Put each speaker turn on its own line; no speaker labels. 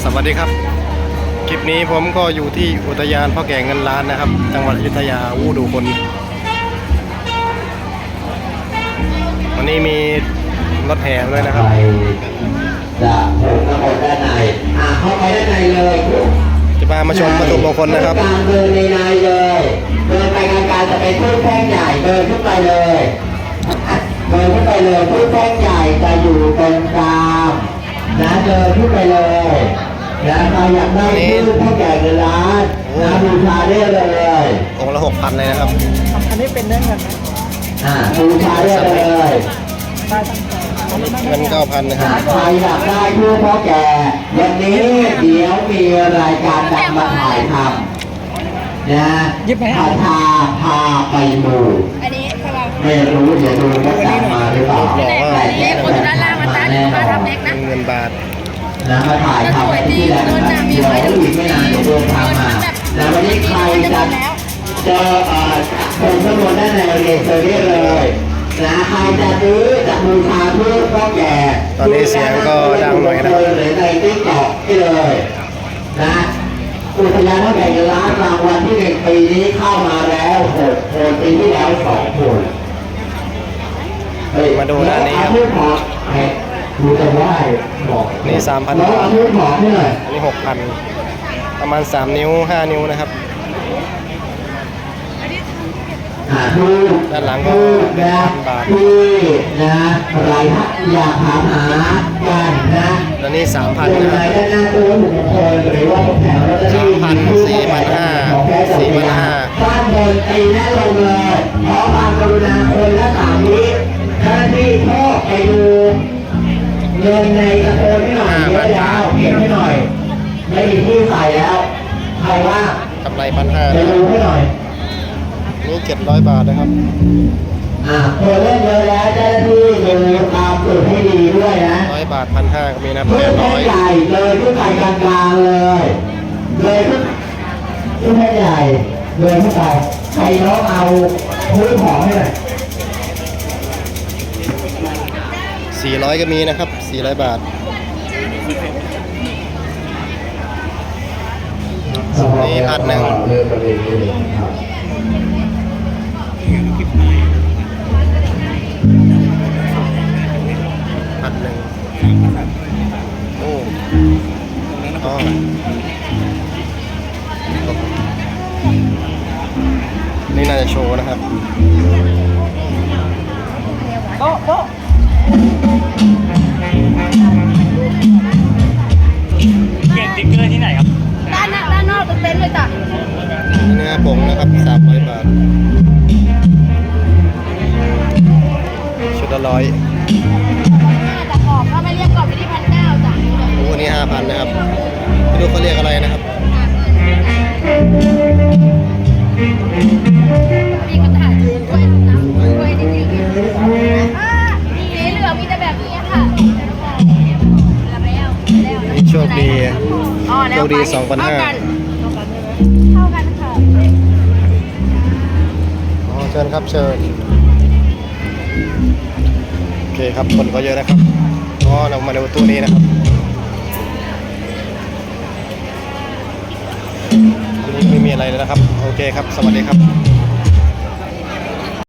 สวัสดีครับคลิปนี้ผมก็อยู่ที่อุทยานพ่อแก่เงินล้านนะครับจังหวัดอยุธยาวูดูคนวันนี้มีรถแห่ด้วยนะครับ
จะโผล่มาบนด้านในเข้าไปด้านในเลย
จะพามาชมประตูมงคลนะครับ
การเดินในเลยเดินไปการจะเป็นตู้แท่งใหญ่เดินขึ้นไปเลยเดินขึ้นไปเลยตู้แท่งใหญ่จะอยู่ตรงกลางนะเดินขึ้นไปเลยนะใครอยากได้ตู้แท่งใหญ่เงินล้านนะบูชาได้เลย
องค์ละ 6,000 เลยนะครับ
อันนี้เป็นเรื่องเงินไหม
บูชาได้เลย
ได้ตั้งแต่
เงิน 9,000 นะครับ
ใครอยากได้ตู้พ่อแก่วันนี้เดี๋ยวมีรายการดังมาถ่ายทำนะพาไปดู
อันนี้พลัง
ไม่รู้เดี๋ยวดูว่าดังมาหรือเปล่า
แต่คนอยู่ด้านล่างมันตั้งมาทำเล็กนะ
เงินบาท
นะมาถ่ายทำที่แหละเดี๋ยวอีกไม่นานเดี๋ยวโดนทำมาแล้ววันนี้ใครจะคนจำนวนด้านในเรียนเซอร์เลยนะใครจะซื้อจะบูชาเพื่อพ่อแก่
ตอนนี้เสียงก็ดังหน่อยนะครับ
ในติ๊กต็อกที่เลยนะอุทยานพ่อแก่ล้านรางวัลที่1ปีนี้เข้ามาแล้ว6 คนปีที่แล้ว2 คน
มาดูด้านนี้ครับ
ดูจะไหว้บอก
นี่ 3,000 บาทอันนี้ 6,000 ประมาณ3 นิ้ว 5 นิ้วนะครับด้านหลังก็1,000 บาท
นะอะไรฮะอยากถามหากันนะ
แล้วนี่ 3,000 นะครับ 3,000 4,500 4,500
บ้านบนตีแน่ลงเลยขอความกรุณาคนละ3 วิเจ้าหน้าที่พ่อไปดูเงินในกระโปรงให้หน่อยเยอะแล้วเก็บให้หน่อยไม่มีที่ใส่แล้วใครว่าก
ำไร 1,500
ไปดูให้หน่อย
นี่700 บาทนะครับ
คนเล่นเยอะแล้วเจ้าหน้าที่ดูตามสูตรให้ดีด้วยนะ
100 บาท 1,500 ก็มีนะ800
ใหญ่เลยขึ้นไปกลางๆเลยขึ้นไปใหญ่เลยขึ้นไปใครน้องเอาพื้นหอมให้หน่อย
400 ก็มีนะครับ400 บาทนี่1,000 1,000 1โอ้อ๋อนี่น่าจะโชว์นะครับ
โต๊ะโต๊ะเก็บติ๊กเกอร์ที่ไหนครับ
ด้านนอกเต็นท์เลยจ้ะ
เนื้อผงนะครับ300 บาทชุดละ100
แต่กรอบถ้าไม่เรียกกรอบไปที่1,900จ้ะ
โอ้อันนี้ 5,000 นะครับไม่รู้เขาเรียกอะไรนะครับ
นี่ก็ถ่ายกล้วยน้ำกล้วยนี่สีเหลืองมีแต่แบบนี้ค่ะ
นี่โชคดีโชคดี 2,500
เท่ากันค่ะ
อ๋อเชิญครับเชิญโอเคครับคนก็เยอะนะครับอ๋อเรามาดูตู้นี้นะครับตู้นี้ไม่มีอะไรเลยนะครับโอเคครับสวัสดีครับ